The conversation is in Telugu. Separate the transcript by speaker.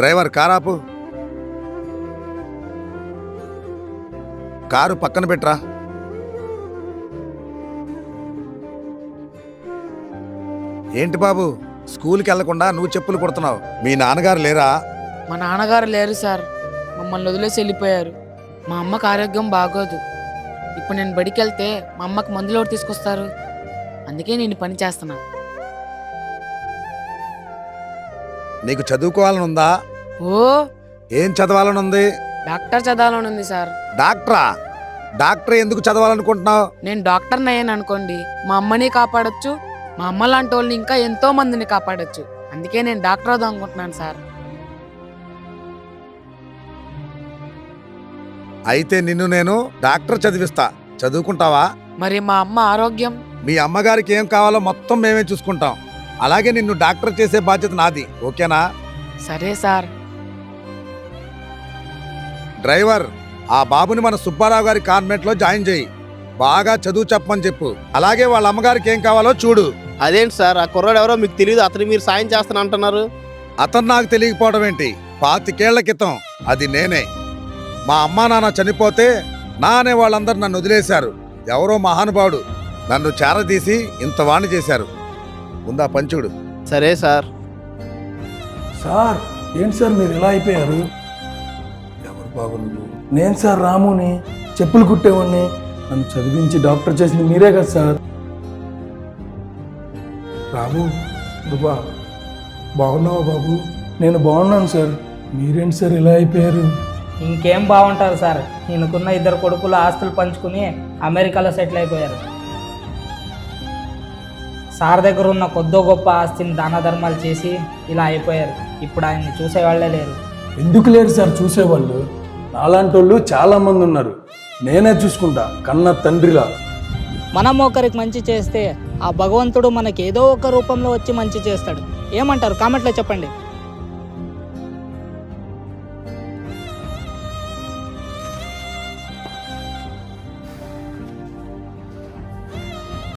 Speaker 1: డ్రైవర్ కారాపు. కారు పక్కన పెట్టరా. ఏంటి బాబు, స్కూల్కి వెళ్లకుండా నువ్వు చెప్పులు కుడుతున్నావు? మీ నాన్నగారు లేరా?
Speaker 2: మా నాన్నగారు లేరు సార్, మమ్మల్ని వదిలేసి వెళ్ళిపోయారు. మా అమ్మకు ఆరోగ్యం బాగోదు. ఇప్పుడు నేను బడికి వెళ్తే మా అమ్మకి మందులు ఎవరు తీసుకొస్తారు? అందుకే నేను పని చేస్తున్నా.
Speaker 1: నీకు చదువుకోవాలని ఉందా?
Speaker 2: ఓ,
Speaker 1: ఏం చదవాలని ఉంది?
Speaker 2: డాక్టర్ చదవాలని ఉంది సార్.
Speaker 1: డాక్టరా? డాక్టర్ ఎందుకు చదవాలనుకుంటున్నావు?
Speaker 2: నేను డాక్టర్ని అయ్యాను అనుకోండి, మా అమ్మని కాపాడొచ్చు, మా అమ్మ లాంటి వాళ్ళని ఇంకా ఎంతో మందిని కాపాడొచ్చు. అందుకే నేను డాక్టర్ అవుదాం అనుకుంటున్నాను సార్.
Speaker 1: అయితే నిన్ను నేను డాక్టర్ చదివిస్తా, చదువుకుంటావా?
Speaker 2: మరి మా అమ్మ ఆరోగ్యం?
Speaker 1: మీ అమ్మగారికి ఏం కావాలో మొత్తం మేమే చూసుకుంటాం. అలాగే నిన్ను డాక్టర్ చేసే బాధ్యత నాది, ఓకేనా?
Speaker 2: సరే సార్.
Speaker 1: డ్రైవర్, ఆ బాబుని మన సుబ్బారావు గారి కాన్వెంట్ లో జాయిన్ చేయి. బాగా చదువు చెప్పమని చెప్పు. అలాగే వాళ్ళ అమ్మగారికి ఏం కావాలో చూడు.
Speaker 3: అదేంటి సార్, ఆ కుర్రాడు ఎవరో మీకు తెలియదు, అతను మీరు సాయం చేస్తాను అంటున్నారు?
Speaker 1: అతను నాకు తెలియకపోవడం ఏంటి? 25 ఏళ్ల క్రితం అది నేనే. మా అమ్మా నాన్న చనిపోతే నా అనే వాళ్ళందరూ నన్ను వదిలేశారు. ఎవరో మహానుభావుడు నన్ను చేరదీసి ఇంత వాణి చేశారు. ఉందా పంచుడు?
Speaker 3: సరే సార్.
Speaker 4: సార్ ఏంటి సార్ మీరు ఇలా అయిపోయారు? ఎవరు బాబు నువ్వు? నేను సార్ రాముని, చెప్పులు కుట్టేవాడిని. నన్ను చదివించి డాక్టర్ చేసింది మీరే కదా సార్. రాము బాబా, బాగున్నావా బాబు? నేను బాగున్నాను సార్. మీరేంటి సార్ ఇలా అయిపోయారు?
Speaker 5: ఇంకేం బాగుంటారు సార్, ఈయనకున్న 2 కొడుకులు ఆస్తులు పంచుకుని అమెరికాలో సెటిల్ అయిపోయారు. సార్ దగ్గర ఉన్న కొద్దో గొప్ప ఆస్తిని దాన ధర్మాలు చేసి ఇలా అయిపోయారు. ఇప్పుడు ఆయన్ని చూసేవాళ్లే లేరు.
Speaker 4: ఎందుకు లేరు సార్ చూసేవాళ్ళు? నాలాంటి వాళ్ళు చాలామంది ఉన్నారు. నేనే చూసుకుంటా కన్న తండ్రిలా.
Speaker 5: మనం ఒకరికి మంచి చేస్తే ఆ భగవంతుడు మనకి ఏదో ఒక రూపంలో వచ్చి మంచి చేస్తాడు. ఏమంటారు? కామెంట్లో చెప్పండి.